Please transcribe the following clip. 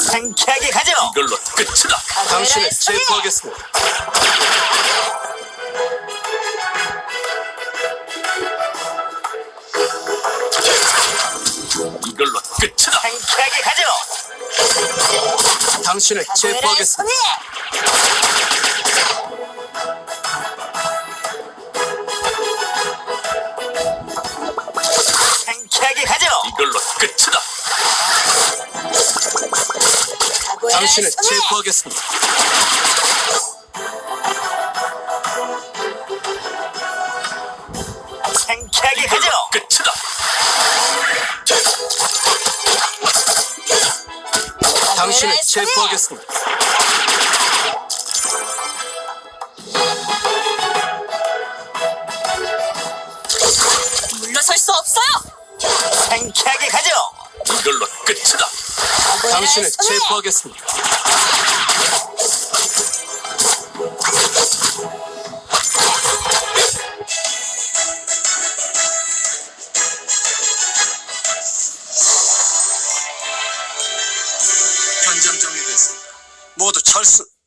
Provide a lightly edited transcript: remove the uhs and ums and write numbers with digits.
상쾌하게 가죠. 이걸로 끝이다. 당신을 체포하겠습니다. 이걸로 끝이다. 상쾌하게 가죠. 당신을 체포하겠습니다. 상쾌하게 가죠. 이걸로 끝이다. 당신을 체포하겠습니다. 상쾌하게 가죠. 끝이다. 당신을 체포하겠습니다. 물러설 수 없어요. 상쾌하게 가죠. 이걸로 끝이다. 당신을 체포하겠습니다. 현장 정리됐습니다. 모두 철수.